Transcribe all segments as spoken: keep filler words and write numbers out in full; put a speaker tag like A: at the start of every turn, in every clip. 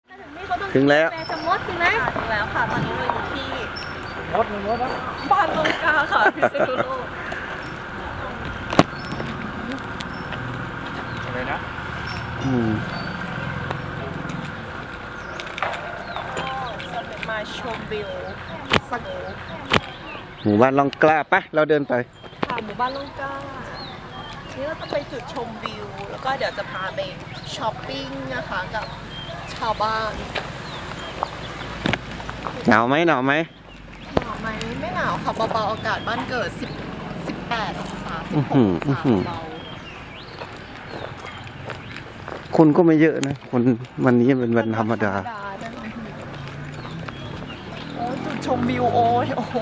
A: ถึงแล้ว
B: จะมดถึงไหมถึงแล้วค่ะตอนนี้เราอยู่ที่
C: มดมดนะ
B: บ้านลงกาค่ะพิษณุโลก
C: อะไรนะ
A: อืม
B: จะเป็นมาชมวิวสโนว์
A: หมู่บ้านลองกล้าปะเราเดินไป
B: ค่ะหมู่บ้านลงกานี่เราจะไปจุดชมวิวแล้วก็เดี๋ยวจะพาไปช้อปปิ้งนะคะกับชาวบ้าน
A: หนาวไหมหนาวไหม
B: หนาวไหมไม่หนาวค่ะเบาๆอากาศบ้านเกิดสิบ สิบแปดองศาสิบหกองศาเบา
A: คนก็ไม่เยอะนะคนวันนี้เป็นวันธรรมดา
B: โอ้จุดชมวิวโอ้ยโอ้โห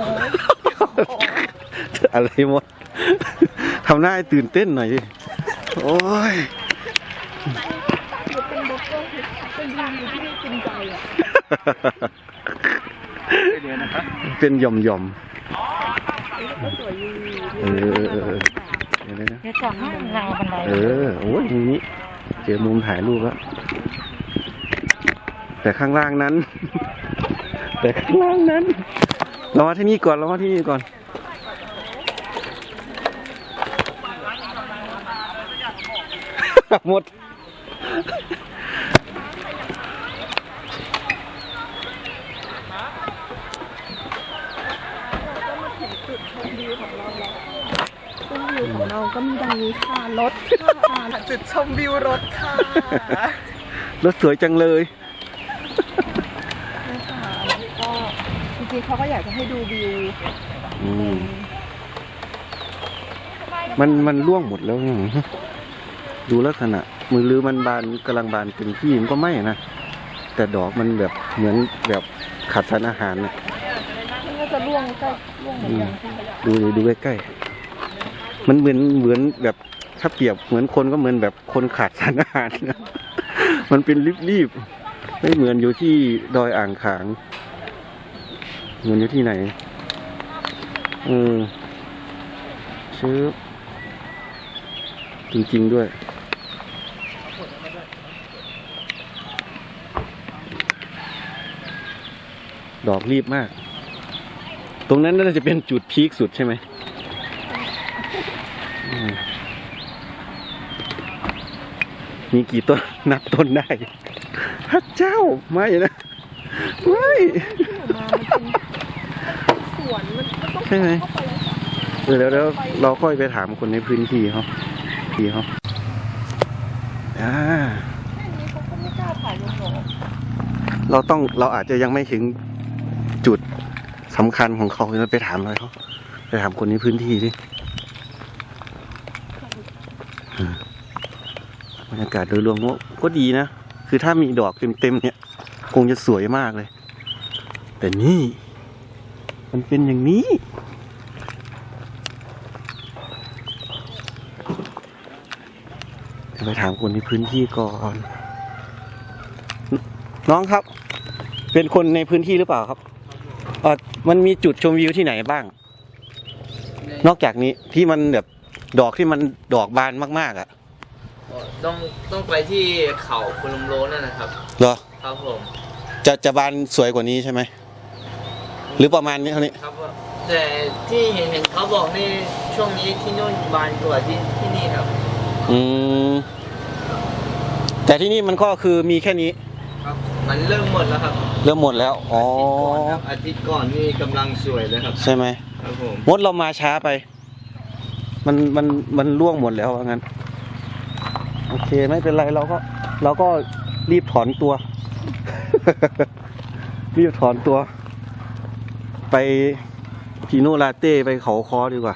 A: อะไรหมดทำหน้าให้ตื่นเต้นหน่อยดิโอ้ย
B: เป็นบล็อกเกอร์เป็นวิวที่จริงใจอ่ะ
A: เป็นหย่อมหย่อมเออเดี๋ยวนะ
B: จะจับให้เราบันได
A: เออโอ้ยตรงนี้เจอมุมถ่ายรูปแล้วแต่ข้างล่างนั้นแต่ข้างล่างนั้นเรามาที่นี่ก่อนเรามาที่นี่ก่อนหมด
B: ของเราก็มีดังนี้ค่ะรถค่ะจุดชมวิวรถค่ะ
A: รถสวยจังเลย
B: นะคะแล้วก็จริงๆเขาก็อยากจะให้ดูวิว
A: มันมันร่วงหมดแล้วดูลักษณะมือลือมันบานกำลังบานเต็มที่มันก็ไม่นะแต่ดอกมันแบบเหมือนแบบขาดสารอาหารนะ
B: มันก็จะร่วงใกล้ร่วงเหมือนกัน
A: ดูดูใกล้ๆมันเหมือนเหมือนแบบถ้าเปรียบเหมือนคนก็เหมือนแบบคนขาดสารอาหารนะมันเป็นรีบๆไม่เหมือนอยู่ที่ดอยอ่างขางเหมือนอยู่ที่ไหนเออชื่อจริงๆด้วยดอกรีบมากตรงนั้นน่าจะเป็นจุดพีคสุดใช่ไหมมีกี่ต้นนับต้นได้พระเจ้าไม่นะไม่
B: สวนมันต้อง
A: ใช่ไหมเออแล้วแล้วเราค่อยไปถามคนในพื้นที่เขาที่เขาอ่า
B: เขาก็ไม่กล้าถ่ายลงหรอก
A: เราต้องเราอาจจะยังไม่ถึงจุดสำคัญของเขาเราไปถามเลยเขาไปถามคนในพื้นที่ดิบรรยากาศโดยรวมก็ดีนะคือถ้ามีดอกเต็มๆเนี่ยคงจะสวยมากเลยแต่นี่มันเป็นอย่างนี้ไปถามคนในพื้นที่ก่อนน้องครับเป็นคนในพื้นที่หรือเปล่าครับเออมันมีจุดชมวิวที่ไหนบ้างนอกจากนี้ที่มันแบบดอกที่มันดอกบานมากๆอ่ะ
D: ต้องต้องไปที่เขาคุณลุมโลนั่นนะครับ
A: เหรอ
D: ครับผม
A: จะจะบานสวยกว่านี้ใช่ไหมหรือประมาณนี้เท่านี้
D: ครับแต่ที่เห็นเห็นเขาบอกนี่ช่วงนี้ที่นู่นบานกว่าที่ที่นี่ครับ
A: อืมแต่ที่นี่มันก็คือมีแค่นี้
D: ครับมันเริ่มหมดแล้วครับ
A: เริ่มหมดแล้วอ๋อ
D: อาทิตย์ก่อนนี่กำลังสวยเลยครับ
A: ใช่ไหม
D: ครับผม
A: มดเรามาช้าไปมันมันมันร่วงหมดแล้วว่างั้นโอเคไม่เป็นไรเราก็เราก็รีบถอนตัว รีบถอนตัวไปพีโนลาเต้ไปเขาคอดีกว่า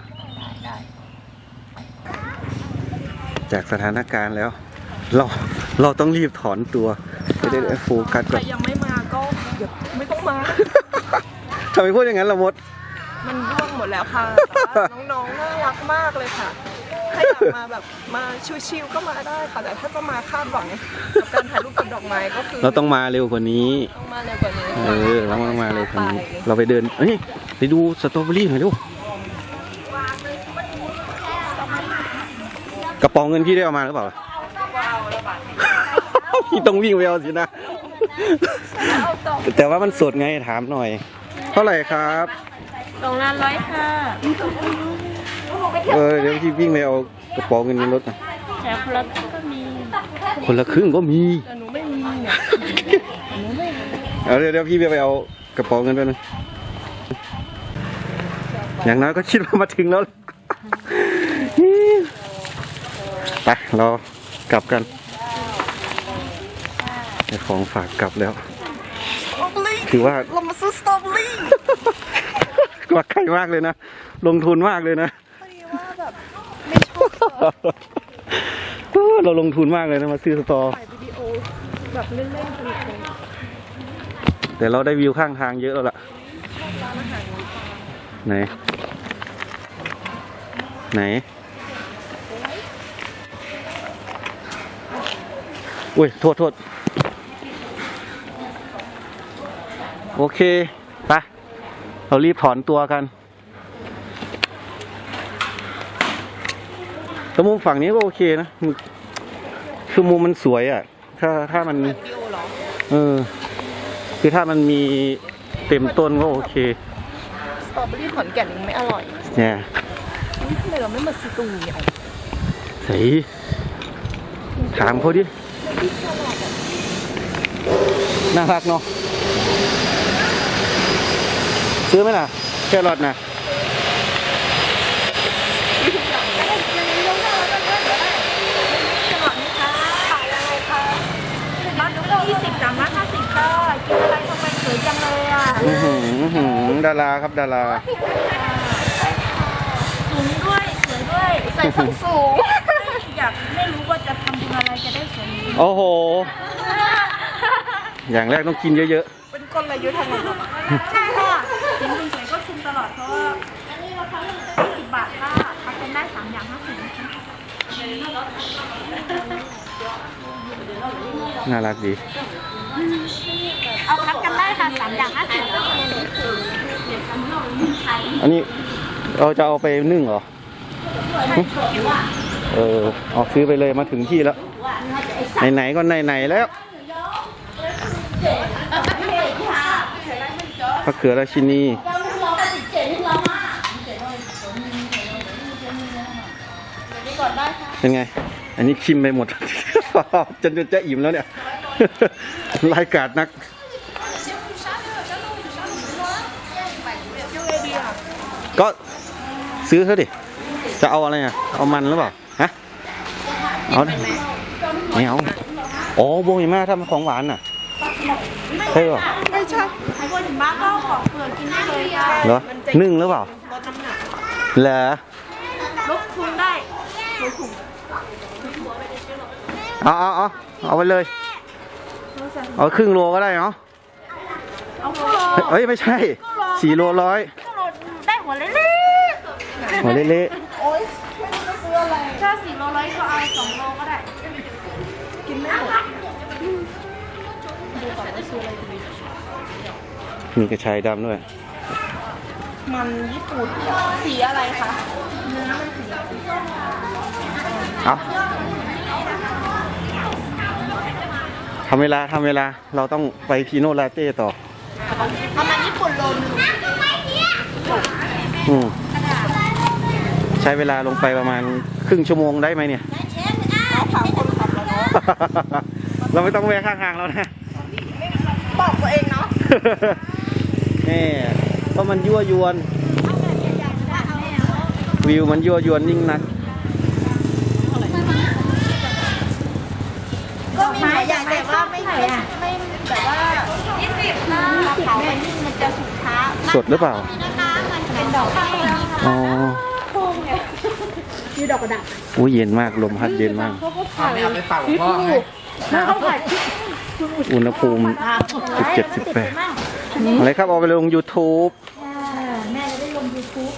A: จากสถานการณ์แล้วเราเราต้องรีบถอนตัวไม่ได้โฟกัสก่อน
B: ใครยังไม่มาก็เดี๋ยวไม่ต้องมา
A: ทำไมพูดอย่างนั้นล่ะมด
B: มันร่วงหมดแล้วค่ะน้องๆน่ารักมากเลยค่ะถ้าอยากมาแบบมาชิวๆก็มาได้ค่ะแต่ถ้าจะมาคาดหวังกับการถ่ายรูปกับดอกไม้ก็คือ
A: เราต้องมาเร็วกว่านี้
B: ต้องมาเร็วกว่านี้
A: เออเราต้องมาเร็วกว่านี้เราไปเดินเฮ้ยไปดูสตรอเบอรี่หน่อยดูกระป๋องเงินพี่ได้เอามาหรือเปล่าพี่ต้องวิ่งไปเอาสินะ
B: เอาต่อ
A: แต่ว่ามันสดไงถามหน่อย เท่าไหร่ครับ
B: สองล้านร้อยค่ะ
A: เออเดี๋ยวพี่วิ่งไปเอากระเป๋าเงินในรถนะ
B: แถวคนละก็มี
A: คนละครึ่งก็มี
B: แต่หนูไม่มีเนี่ยหนูไม่มี
A: เอาเดี๋ยวเดี๋ยวพี่ไปเอากระเป๋าเงินไปนึงอย่างน้อยก็คิดว่ามาถึงแล้ว ไปเรากลับกันได้ของฝากกลับแล้ว ถือว่า
B: เรามาซื้อสตรอเบอรี่
A: กว่าใครมากเลยนะ ลงทุนมากเลยนะ
B: พอดีว่าแบบไม่ชอบ
A: เราลงทุนมากเลยนะมาซื้อสตอ
B: ถ่ายวิดีโอแบบเล่นๆสนุกเลย
A: แต่เราได้วิวข้างทางเยอะแล้วล่ะ
B: ร้านอาหาร
A: ไหน ไหน อุ้ย โทษโทษโอเค ไป เรารีบถอนตัวกันแต่มุมฝั่งนี้ก็โอเคนะคือมุมมันสวยอ่ะ ถ้าถ้ามัน
B: วิดีโอเหรอ
A: เออ คือถ้ามันมีเต็มต้นก็โอเค
B: สตรอเบอรี่ขอนแก่นยังไม่อร่อย
A: เนี่ย
B: นี่ทำไมเราไม่มาซื้อตรงนี้อ่ะ
A: ใส่ถามเขาดิ น่ารักเนาะ ซื้อไหมล่ะ แครอทนะ
B: ร้านลูกยี่สิบสามร้านห้าสิบก็กินอะไรทำไมสวยจังเลยอ่ะ
A: อือหืออื้อหือดาราครับดารา
B: สูงด้วยสวยด้วย ใส่ส้นสูง อยากไม่รู้ว่าจะทำบุญอะไรจะได้สวยนี้
A: โอ้โห อย่างแรกต้องกินเยอะ
B: เป็นกลยุทธ์ทางนั้นใช่ค่ะกินคุณสวยก็ชุมตลอดเพราะว่าอันนี้ราคาเริ่มต้นสิบบาทค่ะทำเป็นได้สามอย่างห้าสิบ
A: ๆ น่ารักดี
B: เอาพักกันได้ค่ะสามอย่างห้าสิบ
A: อันนี้เราจะเอาไปนึ่งเหรอหึเออเอาซื้อไปเลยมาถึงที่แล้ว ไหนๆก็ไหนๆแล้วมะเขือราชินีเป็นไง อันนี้ชิมไปหมด จนจะอิ่มแล้วเนี่ย รายการนัก ก็ซื้อเถอะดิ จะเอาอะไรอ่ะ เอามันหรือเปล่า ฮะ เอาไม่เอาอ๋อโบยมาทำของหวานน่ะใช่หรอ
B: ไม่ใช่ใครคนถึงบ้านก็ขอเปลือกกินได้เลยค่ะ
A: เหรอ นึ่งหรือเปล่า
B: ลดน้ำหนัก
A: เหรอ
B: ลดทุนได้ลดทุน
A: เอาเอาเอาเอาไปเลย เอาครึ่งโลก็ได้เนาะ
B: เอาโล
A: เฮ้ยไม่ใช่สี่โลร้อย
B: ก็ลดได้หัวเล็ก
A: หัวเละ
B: ๆโอ๊ยไม่รู้จะซื้ออะไรถ้าสี่โลร้อยก็เอาสองโลก็ได้ กินไม่หมดดูก่อนว่าซื้ออะไรดี
A: ๆมีกระชายดำด้วย
B: มันญี่ปุ่นสีอะไรคะเนื้อมันสี
A: เอาทำเวลาทำเวลา เราต้องไปพีโนลาเต้ต่อ
B: เอามันญี่ปุ่นโลนึง
A: อืมใช้เวลาลงไปประมาณครึ่งชั่วโมงได้ไหมเนี่ย
B: เอาถามคนขับแล้วเนาะ
A: เราไม่ต้องแวะข้างทางแล้วนะ
B: บอกตัวเองเนาะ
A: นี่เพราะมันยั่วยวน วิวมันยั่วยวนยิ่งนัก
B: ก็มีหลายอย่างแต่ว่าไม่ไม่ไม่แบบว่ายี่สิบถ้าเผาไปนี่มันจะสุกช้า
A: สดหรือเปล่า
B: นะคะมันเป็นดอกแห้ง
A: อ๋อ
B: พุ่งไงมีดอกกระดาษ
A: อุ้ยเย็นมาก ลมพัดเย็นมาก
B: เขาก็ถ่าย
C: ไม่เอาไปฝากหลวงพ่อไง
B: แล้วเขาถ่าย
A: อุณหภูมิสิบเจ็ด สิบแปดอะไรครับ เอาไปลง YouTube
B: แม่จะได้ลงยูทูบ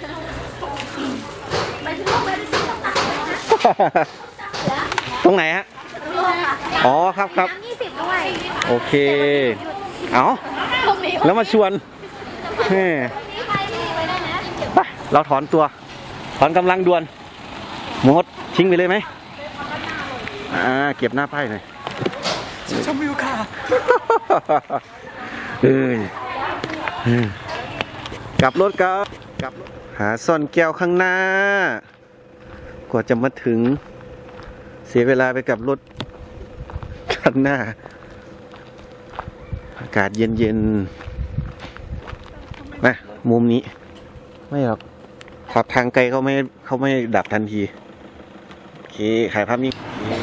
A: ตรงไหนฮะ อ๋อครับครับ
B: ยี่สิบด้วย
A: โอเค เอาแล้วมาชวนเฮ้ไปเราถอนตัว ถอนกำลังด่วนหมดทิ้งไปเลยไหมอ่า เก็บหน้าป้ายหน่อย
B: จุดชมวิวค่ะ
A: เอ้ยเอ้ยกลับรถครับกลับรถหาซ่อนแก้วข้างหน้า กว่าจะมาถึง เสียเวลาไปกับรถข้างหน้า อากาศเย็นๆมามุมนี้ ไม่หรอกขับทางไกลเขาไม่เขาไม่ดับทันที โอเคถ่ายภาพนี้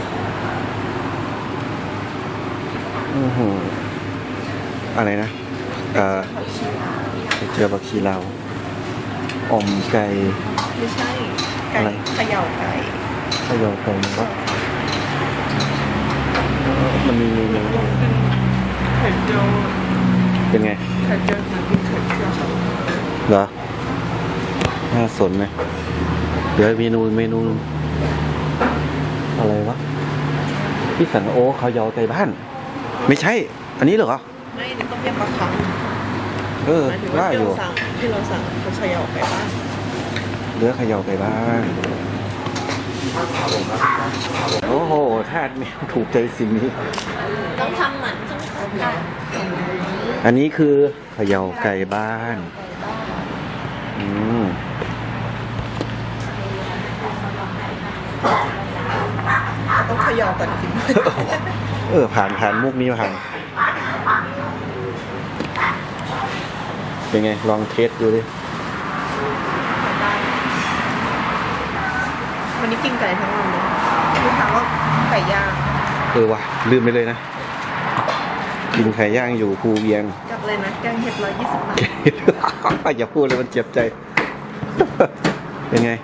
A: โอ้โหอะไรนะ เอ่อไปเจอบักชีลาวอ่อมไก่
B: ไม่ใช่ ไก่
A: อะไร
B: เขย่าไก่
A: ข้าวยอไก่มันก็มันมีเมนู
B: ไข่เจียว
A: เป็นไง
B: ไข่เจียวเหมือนกินไข่เจียว
A: เหรอ น่าสนไหมเดี๋ยวเมนูเมนู อะไรวะพี่สันโอข้าวยอไก่บ้าน ไม่ใช่ อันนี้เหรอ
B: ไม่นี่ต้มยำปลาคัง
A: เออ
B: หมายถึงว่า
A: ว่า
B: ที่
A: อยู่
B: เราสั่งที่เราสั่งเขาเขย่าไก่บ้าน
A: เนื้อข้าวยอไก่บ้าน โอ้โหทาดแมวถูกใจสิ่งนี้
B: ต้องทำเหมือนจังค่ะ
A: อันนี้คือเขย่าไก่บ้าน อืม
B: ต้องเขย่าก่อนกิน
A: เออ ผ่านผ่านมุกนี้ผ่าน เป็นไง ลองเทสดูดิ
B: วันนี้กินไก่ทั้งวันเลยลูกค้าก็ไก่ย่าง
A: เออว่ะ ลืมไปเลยนะ กินไข่ย่างอยู่ภูเวียง
B: จับเลยนะแกงเห็ดร้อยยี่สิบบาท
A: อย่าพูดเลยมันเจ็บใจ เป็นไง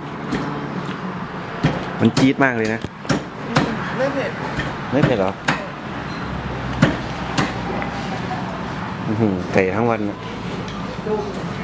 A: มันจี๊ดมากเลยนะ
B: ไม่เผ็ด
A: ไม่เผ็ดเหรออื้อหือไก่ทั้งวันน่ะ